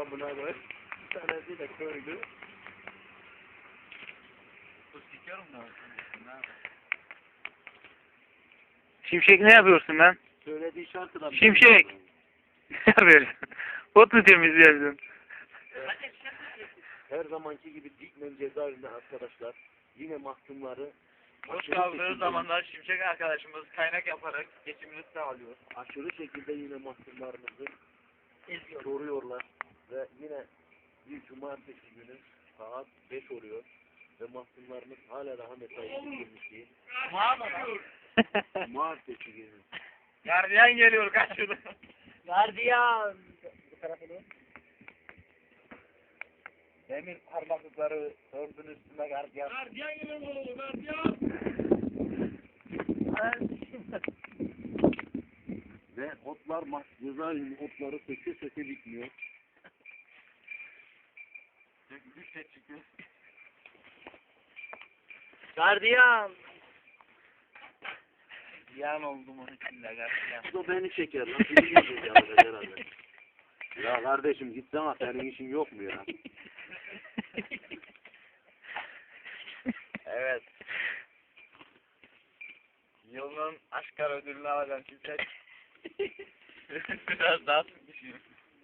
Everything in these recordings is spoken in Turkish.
amına koy. Bir tanesi de köylü. Bu sikerim ne olsun? Şimşek ne yapıyorsun lan? Söylediği şarkı da... Şimşek! Ne yapıyorsun? Ot mu temizliyorsun? Her zamanki gibi Dikmen cezaevinde arkadaşlar yine mahkumları Boş kaldığı zamanlar Şimşek arkadaşımız kaynak yaparak geçimini sağlıyor. aşırı şekilde yine mahkumlarımızı soruyorlar ve yine bir cumartesi günü saat 5 oluyor ve mahkumlarımız hala daha mesai bitirmiş değil. Cumartesi günü. Gardiyan geliyor kaçırdı. Gardiyan. Bu tarafa doğru. Demir parmaklıkları ördün üstüne gardiyan. Gardiyan geliyor oğlum gardiyan. Ve otlar cezaevinin otları söke söke bitmiyor. Bir şey çıkıyor. Gardiyan. Ziyan oldum onun içinde gardiyan. Bu da beni çeker lan. Seni gelecek herhalde. Ya kardeşim gitsene senin işin yok mu ya? Evet. Yılın Aşkar ödülünü alacağım Şimşek. Biraz daha sıkmışım.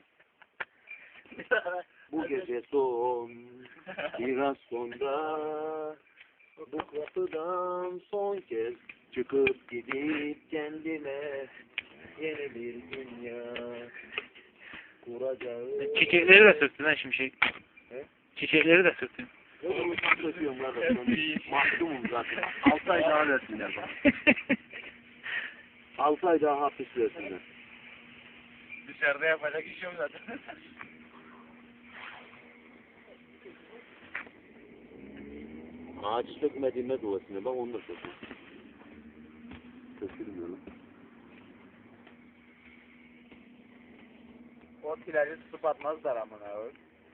Bu gece son, biraz sonra bu kapıdan son kez çıkıp gidip kendime yeni bir dünya kuracağım. Çiçekleri de sürttün ha Şimşek. He? Çiçekleri de sürttün. Ne bunu söküyorum kardeşim. Mahkumum zaten. 6 ay daha versinler bana. 6 ay daha hapis versinler. Dışarıda yapacak iş yok zaten. Ağaç sökmediğime duasına bak onu da söküyorum. Sökülmüyor lan. O tilacı tutup atmazlar amına koyayım.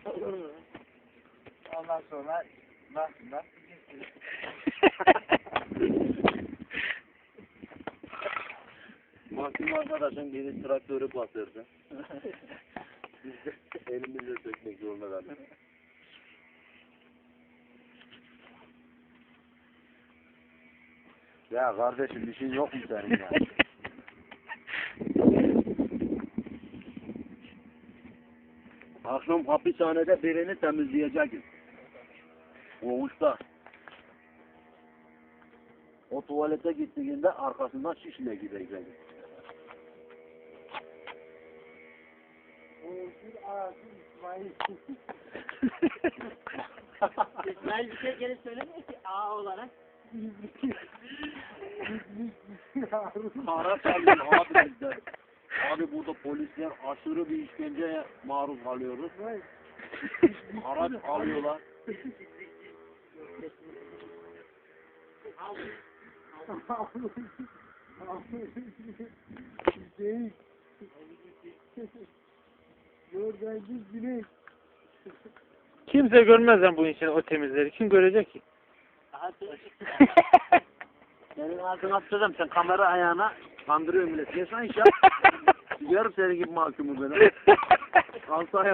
Ondan sonra nasıl Mahkum arkadaşın biri traktörü batırdı. Biz de elimizle sökmek zorunda kaldık. Ya kardeşim işin yok mu senin ya? Akşam hapishanede birini temizleyeceğiz. Oğuz'da. O tuvalete gittiğinde arkasından şişle gideceğiz. İsmail bir şey geri söylemiyor ki A olarak. Kara çalıyor abi bizde. Abi burada polisler aşırı bir işkenceye maruz kalıyoruz. Araç alıyorlar. Kimse görmez lan bu için o temizleri. Kim görecek ki? Senin ağzına atacağım sen kamera ayağına kandırıyor millet. Yesen iş yap. Yarım sene gibi mahkumu beni. 6 ay